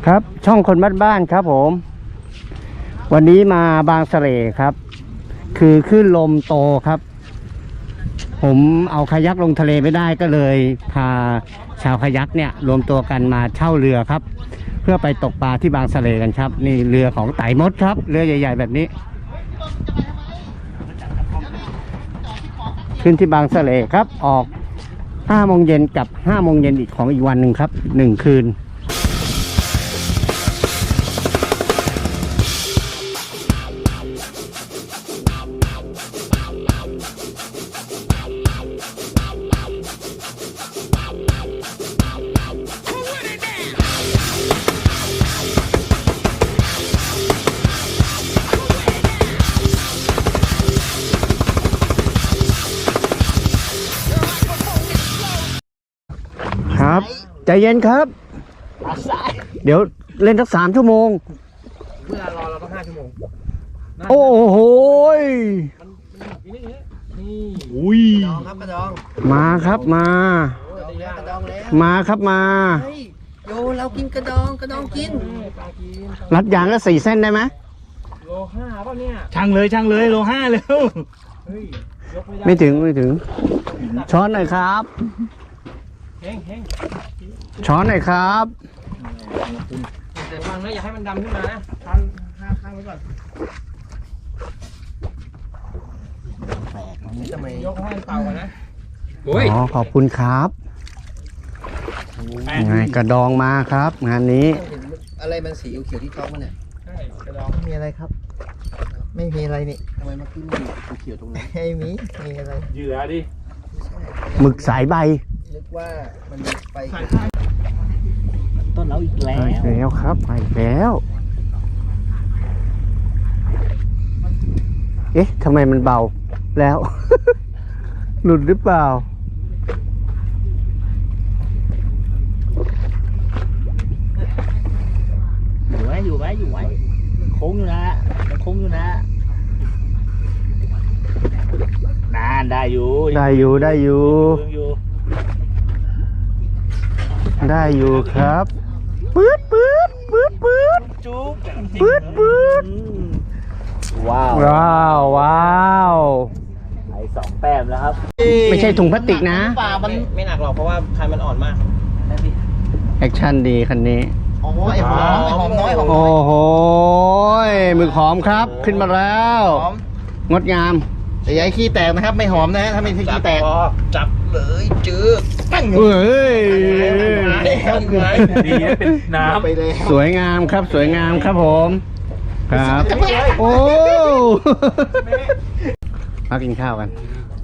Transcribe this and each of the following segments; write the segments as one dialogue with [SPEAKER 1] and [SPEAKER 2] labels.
[SPEAKER 1] ครับช่องคนบ้านๆครับผมวันนี้มาบางสะเลครับคือคลื่นลมโตครับผมเอาคายักลงทะเลไม่ได้ก็เลยพาชาวคายักเนี่ยรวมตัวกันมาเช่าเรือครับเพื่อไปตกปลาที่บางสะเลกันครับนี่เรือของไต่มดครับเรือใหญ่ๆแบบนี้ขึ้นที่บางสะเลครับออก5 โมงเย็นกับ5 โมงเย็นอีกของอีกวันหนึ่งครับ1 คืนครับใจเย็นครับเดี๋ยวเล่นสัก3 ชั่วโมง
[SPEAKER 2] เวลารอเราต้อง5 ชั่วโมง
[SPEAKER 1] โอ้โห
[SPEAKER 2] นี่
[SPEAKER 1] อุ้ย
[SPEAKER 2] กระดองครับกระดอง
[SPEAKER 1] มาครับมามาครับมา
[SPEAKER 2] เฮ้ยโยเรากินกระดองกิน
[SPEAKER 1] รัดยางแล้ว4 เส้นได้ไหม
[SPEAKER 2] โล 5ป่ะเนี่ย
[SPEAKER 3] ช่างเลยโล 5เร็ว
[SPEAKER 2] เฮ้ยยก
[SPEAKER 1] ไม่ถึงช้อนหน่อยครับ
[SPEAKER 2] เฮ้ง
[SPEAKER 1] ช้อนหน่อยครับ
[SPEAKER 2] แต่ฟังนะอย่าให้มันดำขึ้นมานะข้างไว้ก่อนแปลกมันทำไมยกให้มันเป่ากันนะ
[SPEAKER 1] อ๋อขอบคุณครับไงกระดองมาครับงานนี้
[SPEAKER 2] อะไรมันสีเขียวที่ท้องมันเนี่ยใช่กระดองไม่มีอะไรครับไม่มีอะไรนี่ทำไมเมื่อกี้มันเขียวตรงนั้นไม่มีอะไร
[SPEAKER 3] เหยื่อดิ
[SPEAKER 1] หมึกสายใบ
[SPEAKER 2] นึกว่ามันไปต้นเราอีก
[SPEAKER 1] แล้วครับไปแล้วเอ๊ะทำไมมันเบาแล้ว หลุดหรือเปล่า
[SPEAKER 3] อยู่ไว้โค้งอยู่นะนานได้อยู่
[SPEAKER 1] ได้อยู่ครับปื๊ด
[SPEAKER 3] จุ๊บ
[SPEAKER 1] ว้าว
[SPEAKER 3] ไอ้2 แต้มแล้วครับ
[SPEAKER 1] ไม่ใช่ถุงพลาสติกนะ
[SPEAKER 2] ปลามันไม่หนักหรอกเพราะว่าคันมันอ่อนมาก
[SPEAKER 1] แอคชั่นดีคันนี้
[SPEAKER 2] โอ้โหไอ้หอมน้อย
[SPEAKER 1] โอ้โหหมึกหอมครับขึ้นมาแล้วงดงาม
[SPEAKER 2] แต่อย่าให้ขี้แตกนะครับไม่หอมนะถ้าไม่ขี้แตกจับเลยจื้อ
[SPEAKER 1] เฮ้ย
[SPEAKER 3] ดีเป็นน้
[SPEAKER 1] ำสวยงามครับผมครับโอ้มากินข้าวกัน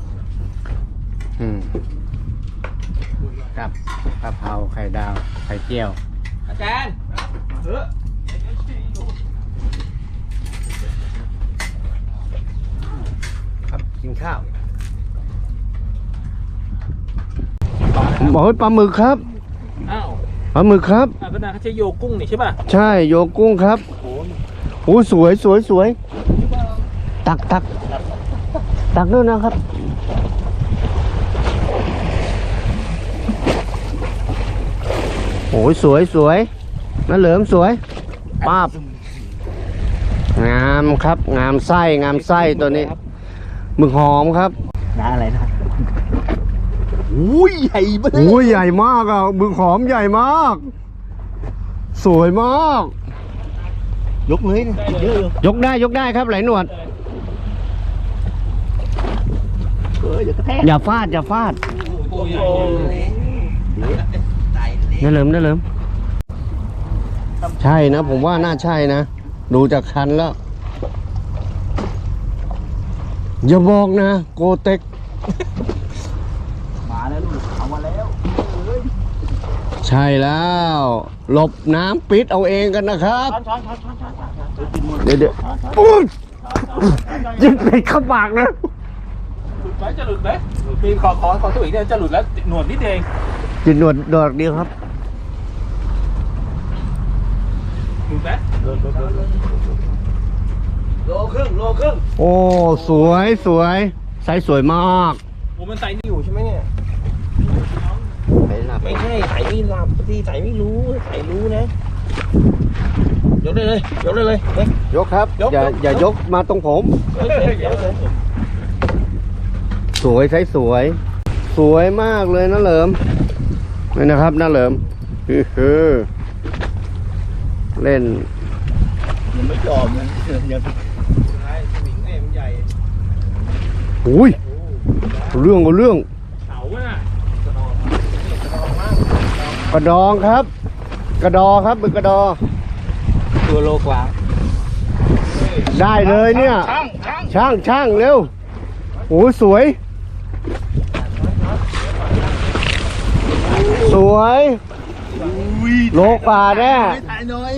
[SPEAKER 1] กับกะเพราไข่ดาวไข่เจียว
[SPEAKER 2] อาจารย์
[SPEAKER 1] ครับกินข้าวบอกให้ปลาหมึกครับปลาหมึกครับ
[SPEAKER 3] ก็น่าเขาใช้โยกุ้งนี่ใช่ป่ะ
[SPEAKER 1] ใช่โยกุ้งครับโอ้สวยตักด้วยนะครับโอ้ยสวยน้าเหลิมสวยป้าบงามครับงามไส้ตัวนี้หมึกหอมครับ
[SPEAKER 3] น้าอะไรนะ
[SPEAKER 1] ใหญ่ใหญ่มากอ่ะหมึกหอมใหญ่มากสวยมาก
[SPEAKER 3] ยกเลย
[SPEAKER 1] ยกได้ครับไหลหนวดอย่าฟาดน้าเหลิมใช่นะผมว่าน่าใช่นะดูจากคันแล้วอย่าบอกนะโกเต็ก
[SPEAKER 3] มาแล้วลูกเอามาแล้ว
[SPEAKER 1] ใช่แล้วหลบน้ำปิดเอาเองกันนะครับเดี๋ยวยิงไปเข้าปากนะ
[SPEAKER 3] จะหลุดไหมมีขอตัวอีกเนี่ยจะหลุดแล้วหนวดนิดเอง
[SPEAKER 1] จิตหนวดดอกเดียวครับ
[SPEAKER 3] หลุดไหม
[SPEAKER 2] โลครึ่ง
[SPEAKER 1] โอ้สวยไซส์สวยมาก
[SPEAKER 3] โอ้มันใส่อยู่ใช่ไหมเนี่ย
[SPEAKER 2] ไม่ใช่ใส่ไม่หลับที่ใส่ไม่รู้ใส่รู้นะยกได้เลยยกได้เลยเฮ้ย
[SPEAKER 1] ยกครับ
[SPEAKER 2] ยก
[SPEAKER 1] อย่ายกมาตรงผม สวยใช้สวย สวยมากเลยนะเหลิมนี่นะครับนะเหลิมคือเล่น
[SPEAKER 2] มันไม่จอมมันยังใช่สวิงเนี่ยมันใหญ่
[SPEAKER 1] อุ้ยเรื่องก็เรื่อง
[SPEAKER 3] เขาน่ะ
[SPEAKER 1] กระดองครับ กระดอครับเป็นกระดอ
[SPEAKER 2] ตัวโลกว่า
[SPEAKER 1] ได้เลยเนี่ย ช่างเร็วโอ้สวย สวยโลกว่าแน่
[SPEAKER 2] ถ่ายหน่อย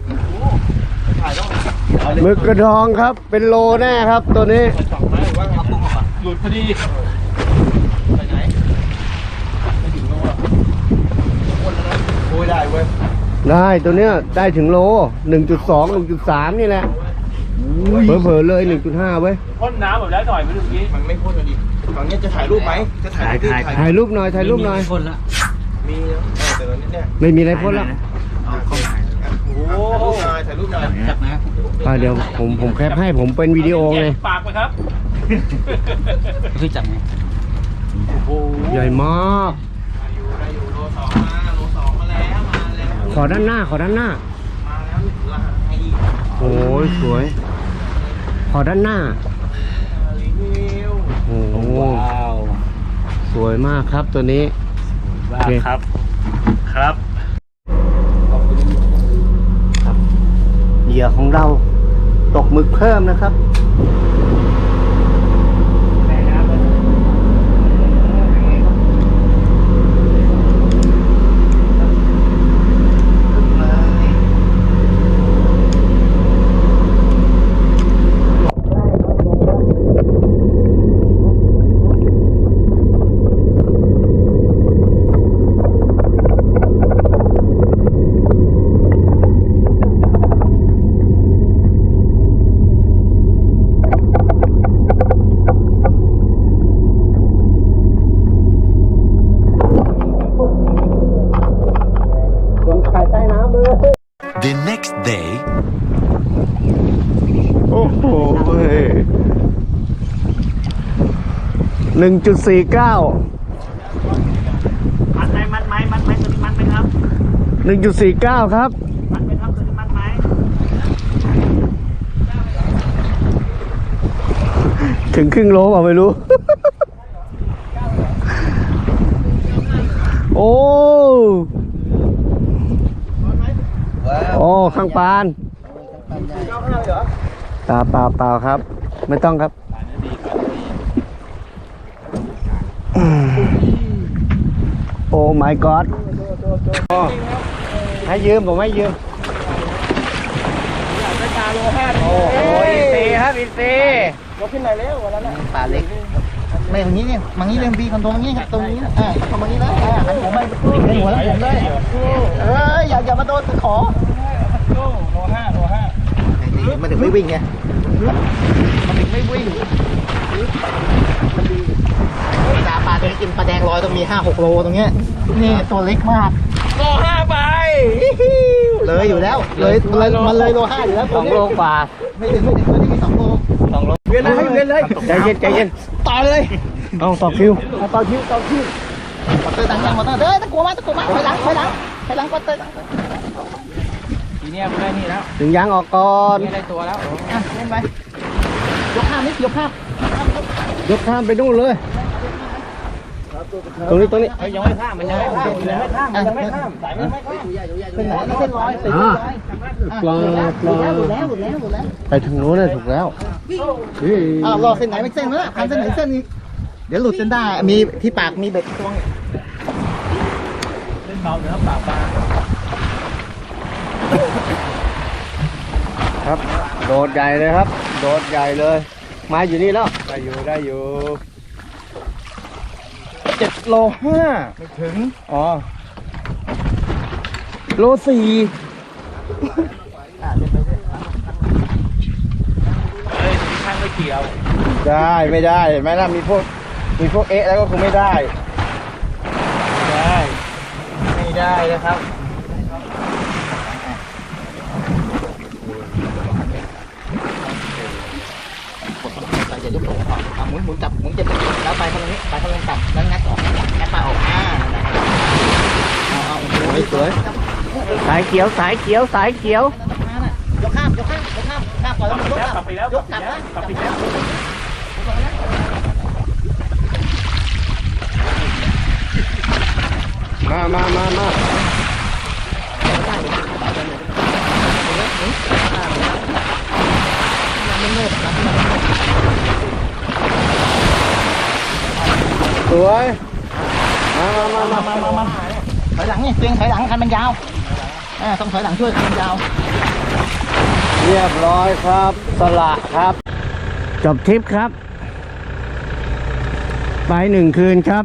[SPEAKER 1] หมึกกระดองครับ เป็นโลแน่ครับตัวนี้
[SPEAKER 3] สองไม้หรือว่าเอาปุ้งออกมาหลุดพอดีไปไหนไม่ถึงโลหรอก
[SPEAKER 2] โอ้ยได้เว้ย
[SPEAKER 1] ได้ตัวเนี้ยได้ถึงโล 1.2 1.3 นี่แหละเผลอๆเลย 1.5 เว้ย
[SPEAKER 3] พ่นน้ำแบบแล้วหน่อยไปดูเมื่อกี้
[SPEAKER 2] มันไม่พ่นกันดิฝั่งนี้จะถ่ายรูปไหมจะถ่าย
[SPEAKER 1] ถ่ายรูปหน่อยถ่ายรูปหน่อย
[SPEAKER 2] พ่นละมีแต่ตอนนี้เนี่ย
[SPEAKER 1] ไม่มีอะไรพ่นแล้ว
[SPEAKER 3] โอ้
[SPEAKER 2] ถ่ายรูปหน่อยจับนะ
[SPEAKER 1] เดี๋ยวผมแคปให้ผมเป็นวิดีโอไง
[SPEAKER 3] ปากไปครับ
[SPEAKER 2] คือจับไง
[SPEAKER 3] โอ้โห
[SPEAKER 1] ใหญ่มาก
[SPEAKER 2] ได้อยู่โลสองมาแล้ว
[SPEAKER 1] ขอด้านหน้า
[SPEAKER 2] มาแล้วลาย
[SPEAKER 1] โอ้ยสวย ขอด้านหน้า
[SPEAKER 2] รีวิว
[SPEAKER 1] โอ้โหสวยมากครับตัวนี้
[SPEAKER 3] บ้าครับ ครับ
[SPEAKER 1] เหยื่อของเราตกหมึกเพิ่มนะครับ
[SPEAKER 4] The next day
[SPEAKER 1] โอ้โห1.49
[SPEAKER 3] มันไหมตัวนี้มันไหมครับ
[SPEAKER 1] 1.49 ครับ
[SPEAKER 3] มันไหมครับตัวนี้มันไหม
[SPEAKER 1] ถึงครึ่งโลเปล่าไม่รู้ โอ้โอ้ข้างปานเปล่าครับ ไม่ต้องครับ โอ้ my god ให้ยืมผมให้ยืม โอ้โหอินซีครับอินซี
[SPEAKER 2] ยกขึ้นไหนแล้ววันนั้นป่าเล็กไม่ตรงนี้เนี่ยมังนี้เรื่องบีคอนโทรมังนี้ครับตรงนี้เข้ามังนี้นะหันหัวไม่หันหัวแล้วผมเลยอย่ามาโดนตะขอโลห้ามันถึงไม่วิ่งไงมันถึงไม่วิ่งปลาตัวนี้กินปลาแดงลอยต้องมี 5-6 โลตรงเนี้ยนี่ตัวเล็กมากโล5ไปเลยอยู่แล้วเลยมันเลยโล5อยู่แล้วตัวนี้
[SPEAKER 1] 2 โลกว่า
[SPEAKER 2] ไม่ถึงตัวนี้มี2 โลเวียนเลย
[SPEAKER 1] ใจเย็น
[SPEAKER 2] ต่อเลย
[SPEAKER 1] เอาต่อคิว
[SPEAKER 2] ต่อคิวมอเตอร์ต่างมอเตอร์ตะกัวมาถอยหลังมอเตอร์
[SPEAKER 3] ทีเนี้ยมันได้นี่แล้ว
[SPEAKER 1] ถึงยางออกก่อน
[SPEAKER 3] ได้ตัวแล้ว
[SPEAKER 2] เล่นไปยกข้ามนิดยกข้าม
[SPEAKER 1] ยกข้ามไปนู่นเลย ตรงนี้
[SPEAKER 3] ยังไม่ข้ามมันยังไม่ข้ามสายมันไม่ข้าม
[SPEAKER 2] เป็นไหนเส้นร้อย
[SPEAKER 1] ปลา
[SPEAKER 2] หลุดแล้ว
[SPEAKER 1] ไปทางโน้นเลยถูกแล้ว
[SPEAKER 2] รอเส้นไหนไม่เส้นแล้วพันเส้นไหนเส้นนี้เดี๋ยวหลุดเส้นได้มีที่ปากมีเบ็ดตัวง
[SPEAKER 3] เล่นเบาเนื้อปากปลา
[SPEAKER 1] ครับ โดดใหญ่เลยครับ โดดใหญ่เลยไม้อยู่นี่แล้วได้อยู่
[SPEAKER 2] 7 โล 5ไม่ถึงโล 4
[SPEAKER 3] ข้างไม่เกี่ยว
[SPEAKER 2] ได้ไม่ได้เห็นไหมล่ะมีพวกเอ๊ะแล้วก็คงไม่ได้ไม่ได้นะครับยกโถก่อนหมุนจับหมุนเจ็บแล้วไปตรงนี้ไปตรงนี้จับแล้วงัดออกงัดปลาออกเอาสวย
[SPEAKER 1] สายเขียวสายเขียวสายเขียว
[SPEAKER 2] ยกข้ามก่อนแล้วมันยก
[SPEAKER 3] กลับไปแล้ว
[SPEAKER 2] ยกกลับนะ
[SPEAKER 3] กลับไปแล้ว
[SPEAKER 1] มา สวยมา
[SPEAKER 2] ถอยหลังนี่เตียงถอยหลังคันมันยาวต้องถอยหลังช่วยคันมันยาว
[SPEAKER 1] เรียบร้อยครับ สละครับ จบทริปครับ ไป1 คืนครับ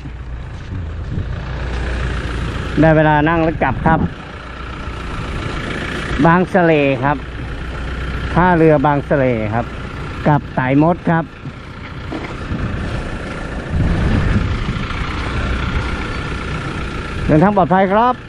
[SPEAKER 1] ได้เวลานั่งรถกลับครับ บางสะเลครับท่าเรือบางสะเลครับกลับไต่มดครับ เดินทางปลอดภัยครับ